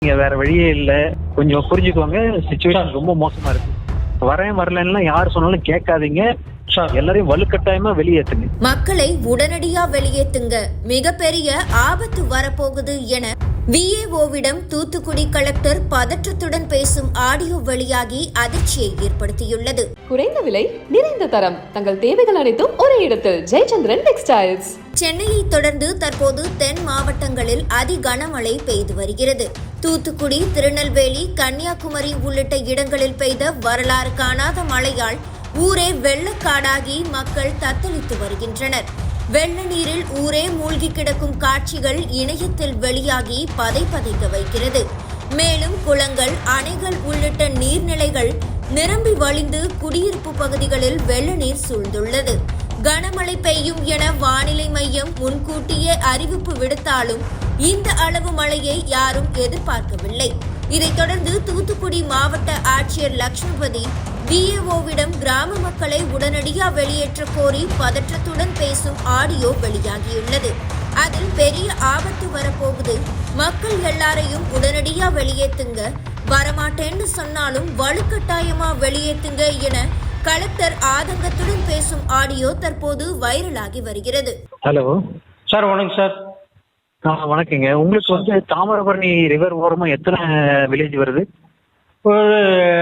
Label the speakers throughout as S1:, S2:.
S1: நீங்க வேற வழியே இல்ல. கொஞ்சம் புரிஞ்சுக்கோங்க. சிச்சுவேஷன் ரொம்ப மோசமா இருக்கு. வரலன்னா யார் சொன்னாலும் கேட்காதீங்க. எல்லாரையும் வலுக்கட்டாயமா வெளியேத்துங்க.
S2: மக்களை உடனடியா வெளியேத்துங்க, மிகப்பெரிய ஆபத்து வரப்போகுது என விஏஓவிடம் தூத்துக்குடி கலெக்டர் பதற்றத்துடன் பேசும் ஆடியோ வெளியாகி அதிர்ச்சியை ஏற்படுத்தியுள்ளது.
S3: குறைந்த விலை, நிறைந்த தரம், தங்கள் தேவைகள் அனைத்தும் ஒரே இடத்தில். ஜெயச்சந்திரன் டெக்ஸ்டைல்ஸ்.
S2: சென்னையை தொடர்ந்து தற்போது தென் மாவட்டங்களில் அதி கனமழை பெய்து வருகிறது. தூத்துக்குடி, திருநெல்வேலி, கன்னியாகுமரி உள்ளிட்ட இடங்களில் பெய்த வரலாறு காணாத மழையால் ஊரே வெள்ளக்காடாகி மக்கள் தத்தளித்து வருகின்றனர். வெள்ள நீரில் ஊரே மூழ்கி கிடக்கும் காட்சிகள் இணையத்தில் வெளியாகி பதைக்க வைக்கிறது. மேலும் குளங்கள், அணைகள் உள்ளிட்ட நீர்நிலைகள் நிரம்பி வழிந்து குடியிருப்பு பகுதிகளில் வெள்ள நீர் சூழ்ந்துள்ளது. கனமழை பெய்யும் என வானிலை மையம் முன்கூட்டியே அறிவிப்பு விடுத்தாலும் இந்த அளவு மழையை யாரும் எதிர்பார்க்கவில்லை. இதைத் தொடர்ந்து தூத்துக்குடி மாவட்ட ஆட்சியர் லட்சுமிபதி விஏஓவிடம் கிராம மக்களை உடனடியா வெளியேற்ற கோரி பதற்றத்துடன் பேசும் ஆடியோ வெளியாகியுள்ளது. அதில் பெரிய ஆபத்து வரப்போகுது, மக்கள் எல்லாரையும் உடனடியா வெளியேத்துங்க, வரமாட்டேன்னு சொன்னாலும் வலுக்கட்டாயமா வெளியேத்துங்க என கலெக்டர் ஆதங்கத்துடன் பேசும் ஆடியோ தற்போது வைரலாகி வருகிறது.
S1: ஹலோ
S4: சார், வணக்கம் சார்.
S1: வணக்கங்க. உங்களுக்கு வந்து தாமிரபரணி ரிவர் ஓரமா எத்தனை வில்லேஜ் வருது?
S4: ஒரு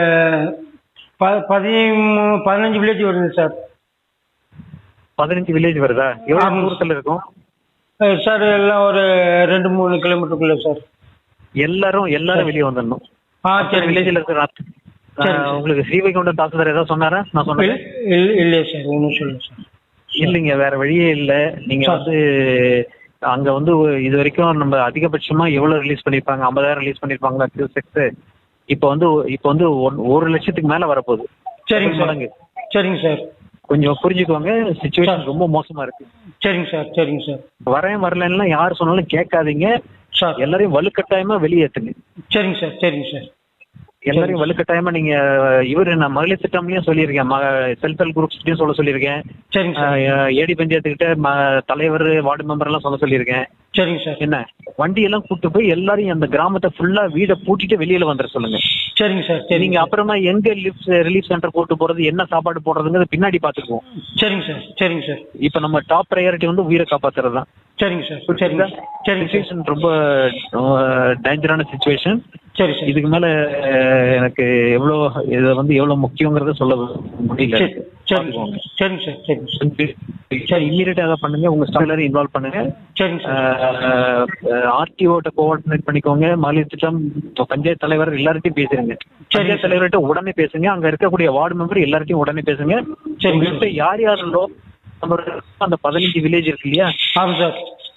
S4: 15 வில்லேஜ் வருது சார்.
S1: 15 வில்லேஜ் வருதா? எவ்வளவு தூரத்துல இருக்கும்
S4: சார்? எல்லாம் ஒரு 2-3 கிலோமீட்டருக்குள்ள சார்.
S1: எல்லாரும் வெளியே வந்துடணும்.
S4: சரி.
S1: வில்லேஜ்ல இருக்கிற உங்களுக்கு ஸ்ரீவைகுண்டம் தாசில்தார் ஏதாவது சொன்னாரா? நான் சொன்னேன்
S4: இல்லையா சார்? ஒன்றும் சொல்லுங்க சார்.
S1: இல்லைங்க, வேற வழியே இல்ல. நீங்க வந்து அங்க வந்து இது வரைக்கும் நம்ம அதிகபட்சமா எவ்வளவு ரிலீஸ் பண்ணிருப்பாங்க? 50,000 ரிலீஸ் பண்ணிருப்பாங்களா கியூசெக்ஸ்? இப்போ வந்து 1 லட்சத்துக்கு மேல வரப்போகுது.
S4: சரிங்க சார். சரிங்க சார்.
S1: கொஞ்சம் புரிஞ்சுக்கோங்க. சிச்சுவேஷன் ரொம்ப மோசமா இருக்கு.
S4: சரிங்க சார். சரிங்க சார்.
S1: வரலன்னா யார் சொன்னாலும் கேட்காதீங்க. எல்லாரையும் வலுக்கட்டாயமா வெளியேத்துங்க.
S4: சரிங்க சார். சரிங்க சார்.
S1: எல்லாரையும் வலுக்கட்டாயமா நீங்க நான் மகளிர் திட்டம்லயும் சொல்லியிருக்கேன், செல்ஃப் ஹெல்ப் குரூப்ஸ்லயும் சொல்லியிருக்கேன்.
S4: சரிங்க.
S1: ஏடி பஞ்சாயத்து கிட்ட தலைவர், வார்டு மெம்பர் எல்லாம் சொல்லியிருக்கேன்.
S4: சரிங்க சார்.
S1: என்ன வண்டி எல்லாம் கூட்டு போய் எல்லாரையும் அந்த கிராமத்தை ஃபுல்லா வீடை பூட்டிட்டு வெளியில வந்துட சொல்லுங்க.
S4: சரிங்க சார்.
S1: நீங்க அப்புறமா எங்க ரிலீஃப் சென்டர் கூட்டு போறது, என்ன சாப்பாடு போடுறதுங்கிறது பின்னாடி பாத்துக்குவோம்.
S4: சரிங்க சார். சரிங்க சார்.
S1: இப்ப நம்ம டாப் ப்ரையாரிட்டி வந்து உயிரை காப்பாத்துறது தான்.
S4: சரிங்க சார். சரிங்க.
S1: சிச்சுவேஷன் ரொம்ப டேஞ்சரான சிச்சுவேஷன்.
S4: சரி சார்.
S1: இதுக்கு மேல எனக்கு எவ்வளவு முக்கியங்கிறத சொல்ல முடியல.
S4: சரிங்க சார். சரிங்க சார்.
S1: இம்மீடியட்டா அதை பண்ணுங்க. உங்க ஸ்டாஃப் எல்லாரும் இன்வால்வ் பண்ணுங்க.
S4: சரிங்க சார்.
S1: ஆர்டிஓட்ட கோஆர்டினேட் பண்ணிக்கோங்க. மகளிர் திட்டம் பஞ்சாயத்து தலைவர் எல்லார்ட்டையும் பேசுறீங்க. பஞ்சாயத்து தலைவர்கிட்ட உடனே பேசுங்க. அங்க இருக்கக்கூடிய வார்டு மெம்பர் எல்லார்ட்டையும் உடனே பேசுங்க. யார் யாருந்தோ அந்த 15 வில்லேஜ் இருக்கு இல்லையா?
S4: ஆமாம் சார்.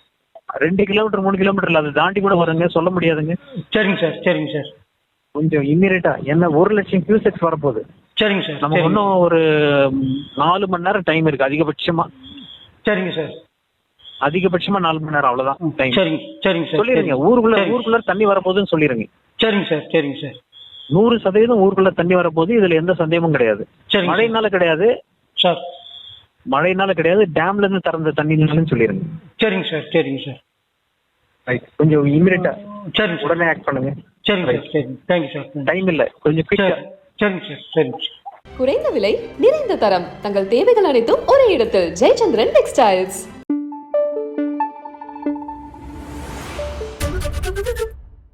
S1: 2 கிலோமீட்டர் 3 கிலோமீட்டர்ல அதை தாண்டி கூட வருங்க, சொல்ல முடியாதுங்க.
S4: சரிங்க சார். சரிங்க சார்.
S1: கொஞ்சம் இம்மீடியட்டா என்ன 1 லட்சம் கியூசெக்ஸ் வரப்போகுது.
S4: சரிங்க சார்.
S1: நமக்கு இன்னும் ஒரு 4 மணி நேரம் டைம் இருக்கு அதிகபட்சமா.
S4: சரிங்க சார்.
S1: அதிகபட்சமா 4 மணி நேரம், அவ்வளவுதான் டைம்.
S4: சரிங்க. சரிங்க சார்.
S1: சொல்லிருங்க. ஊருக்குள்ள தண்ணி வரப்போகுதுன்னு சொல்லிருங்க.
S4: சரிங்க சார். சரிங்க சார்.
S1: 100% ஊருக்குள்ள தண்ணி வரப்போகுது. இதுல எந்த சந்தேகமும் கிடையாது. மழைனால கிடையாது
S4: சார்.
S1: மழைனால கிடையாது, டேம்ல இருந்து திறந்த தண்ணினாலும் சொல்லிருங்க.
S4: சரிங்க சார். சரிங்க சார்.
S1: கொஞ்சம் இமீடியட்டா
S4: சரிங்க.
S1: உடனே ஆக்ட் பண்ணுங்க.
S4: சரிங்க சார். சரிங்க. Thank you sir.
S1: டைம் இல்ல, கொஞ்சம் குயிக்கா.
S4: சரிங்க சார். சரிங்க.
S3: குறைந்த விலை, நிறைந்த தரம், தங்கள் தேவைகள் அனைத்தும் ஒரே இடத்தில். ஜெயச்சந்திரன் டெக்ஸ்டைல்ஸ்.